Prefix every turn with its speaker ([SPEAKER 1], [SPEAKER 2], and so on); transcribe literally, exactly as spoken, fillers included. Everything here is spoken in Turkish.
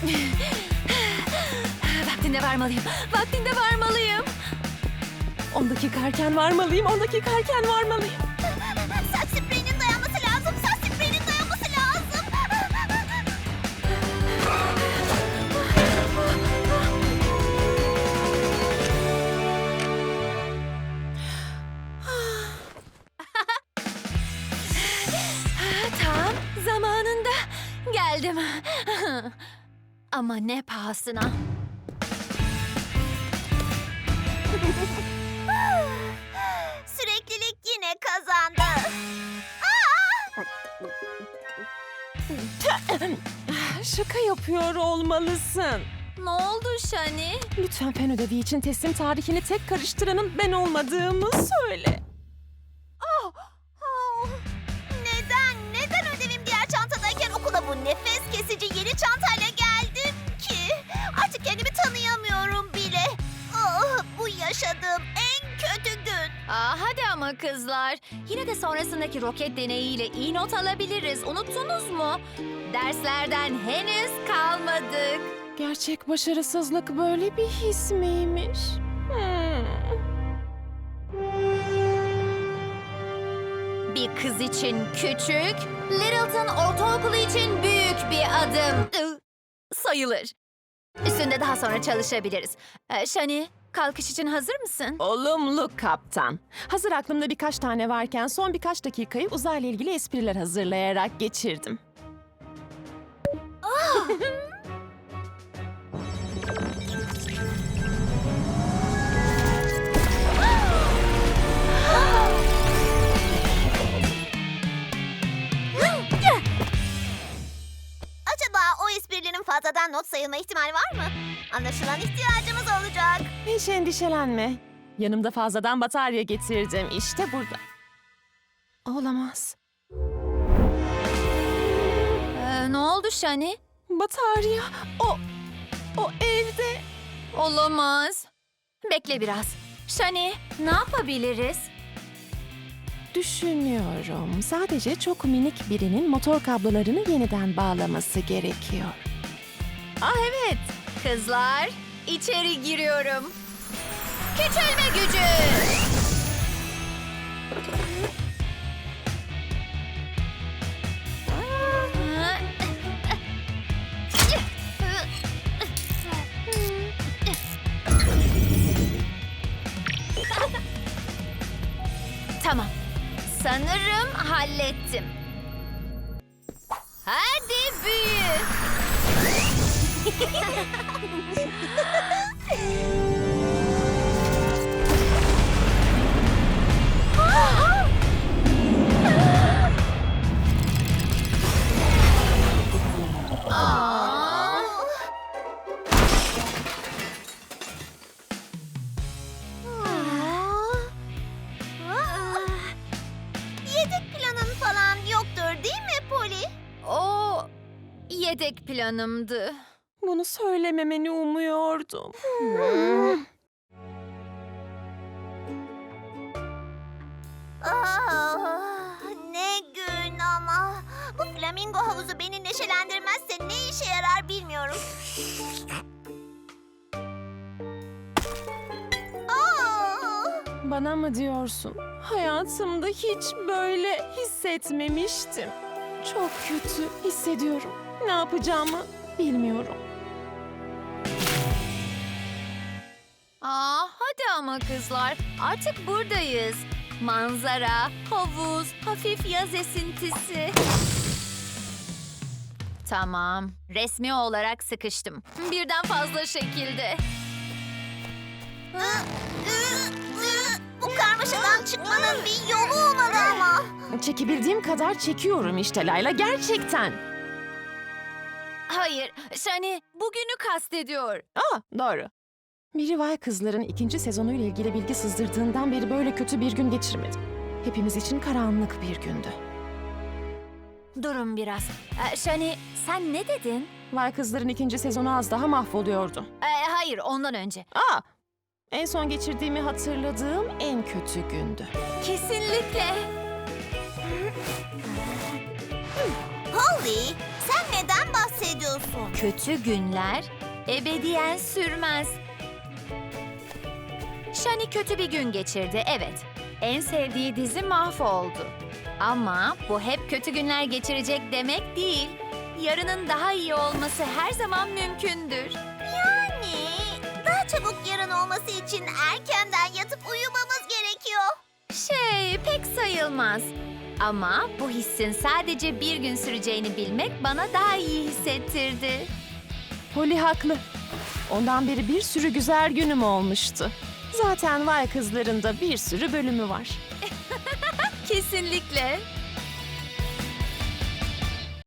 [SPEAKER 1] Vaktinde varmalıyım. Vaktinde varmalıyım.
[SPEAKER 2] On dakika erken varmalıyım, on dakika erken varmalıyım.
[SPEAKER 3] Saç spreyinin dayanması lazım. Saç spreyinin dayanması lazım.
[SPEAKER 1] Tam zamanında geldim. Ama ne pahasına.
[SPEAKER 3] Süreklilik yine kazandı.
[SPEAKER 2] Şaka yapıyor olmalısın.
[SPEAKER 1] Ne oldu Şani?
[SPEAKER 2] Lütfen fen ödevi için teslim tarihini tek karıştıranın ben olmadığımı söyle.
[SPEAKER 3] Neden? Neden ödevim diğer çantadayken okula bu nefes kesici yeni çantayla geldim ki? Artık kendimi tanıyamıyorum bile. Ah, bu yaşadığım en kötü gün.
[SPEAKER 1] Aa, hadi ama kızlar. Yine de sonrasındaki roket deneyiyle iyi not alabiliriz. Unuttunuz mu? Derslerden henüz kalmadık.
[SPEAKER 2] Gerçek başarısızlık böyle bir his miymiş? Hmm.
[SPEAKER 1] Bir kız için küçük, Littleton Ortaokulu için büyük bir adım. Iı, sayılır. Üstünde daha sonra çalışabiliriz. Ee, Şani, kalkış için hazır mısın?
[SPEAKER 2] Olumlu kaptan. Hazır aklımda birkaç tane varken son birkaç dakikayı uzayla ilgili espriler hazırlayarak geçirdim.
[SPEAKER 3] Acaba o esprilerin fazladan not sayılma ihtimali var mı? Anlaşılan ihtiyacımız olacak.
[SPEAKER 2] Hiç endişelenme. Yanımda fazladan batarya getirdim. İşte burada. Olamaz.
[SPEAKER 1] Ee, ne oldu Şani?
[SPEAKER 2] Batarya. O, o evde.
[SPEAKER 1] Olamaz. Bekle biraz. Şani, ne yapabiliriz?
[SPEAKER 2] Düşünüyorum. Sadece çok minik birinin motor kablolarını yeniden bağlaması gerekiyor.
[SPEAKER 1] Ah evet. Kızlar, içeri giriyorum. Küçülme gücü. Tamam. Sanırım hallettim. Hadi büyü. Aa.
[SPEAKER 3] Yedek planın falan yoktur değil mi Polly?
[SPEAKER 1] O yedek planımdı.
[SPEAKER 2] Bunu söylememeni umuyordum.
[SPEAKER 3] Ah, ne gün ama. Bu flamingo havuzu beni neşelendirmezse ne işe yarar bilmiyorum. Aa!
[SPEAKER 2] Bana mı diyorsun? Hayatımda hiç böyle hissetmemiştim. Çok kötü hissediyorum. Ne yapacağımı bilmiyorum.
[SPEAKER 1] Aa, hadi ama kızlar. Artık buradayız. Manzara, havuz, hafif yaz esintisi. Tamam. Resmi olarak sıkıştım. Birden fazla şekilde.
[SPEAKER 3] Ü, ü, ü. Bu karmaşadan çıkmanın bir yolu olmalı ama.
[SPEAKER 2] Çekebildiğim kadar çekiyorum işte Layla, gerçekten.
[SPEAKER 1] Hayır, Şani bugünü kastediyor.
[SPEAKER 2] Aa, doğru. Miri Vay Kızlar'ın ikinci sezonuyla ilgili bilgi sızdırdığından beri böyle kötü bir gün geçirmedim. Hepimiz için karanlık bir gündü.
[SPEAKER 1] Durun biraz. Ee, Şani, sen ne dedin?
[SPEAKER 2] Vay Kızlar'ın ikinci sezonu az daha mahvoluyordu.
[SPEAKER 1] Ee, hayır, ondan önce.
[SPEAKER 2] Aa, en son geçirdiğimi hatırladığım en kötü gündü.
[SPEAKER 1] Kesinlikle.
[SPEAKER 3] Polly, sen neden bahsediyorsun? diyorsun?
[SPEAKER 1] Kötü günler ebediyen sürmez. Shani kötü bir gün geçirdi, evet. En sevdiği dizi mahvoldu. Ama bu hep kötü günler geçirecek demek değil. Yarının daha iyi olması her zaman mümkündür.
[SPEAKER 3] Yani daha çabuk yarın olması için erkenden yatıp uyumamız gerekiyor.
[SPEAKER 1] Şey, pek sayılmaz. Ama bu hissin sadece bir gün süreceğini bilmek bana daha iyi hissettirdi.
[SPEAKER 2] Polly haklı. Ondan beri bir sürü güzel günüm olmuştu. Zaten Vay Kızlar'ın da bir sürü bölümü var.
[SPEAKER 1] Kesinlikle.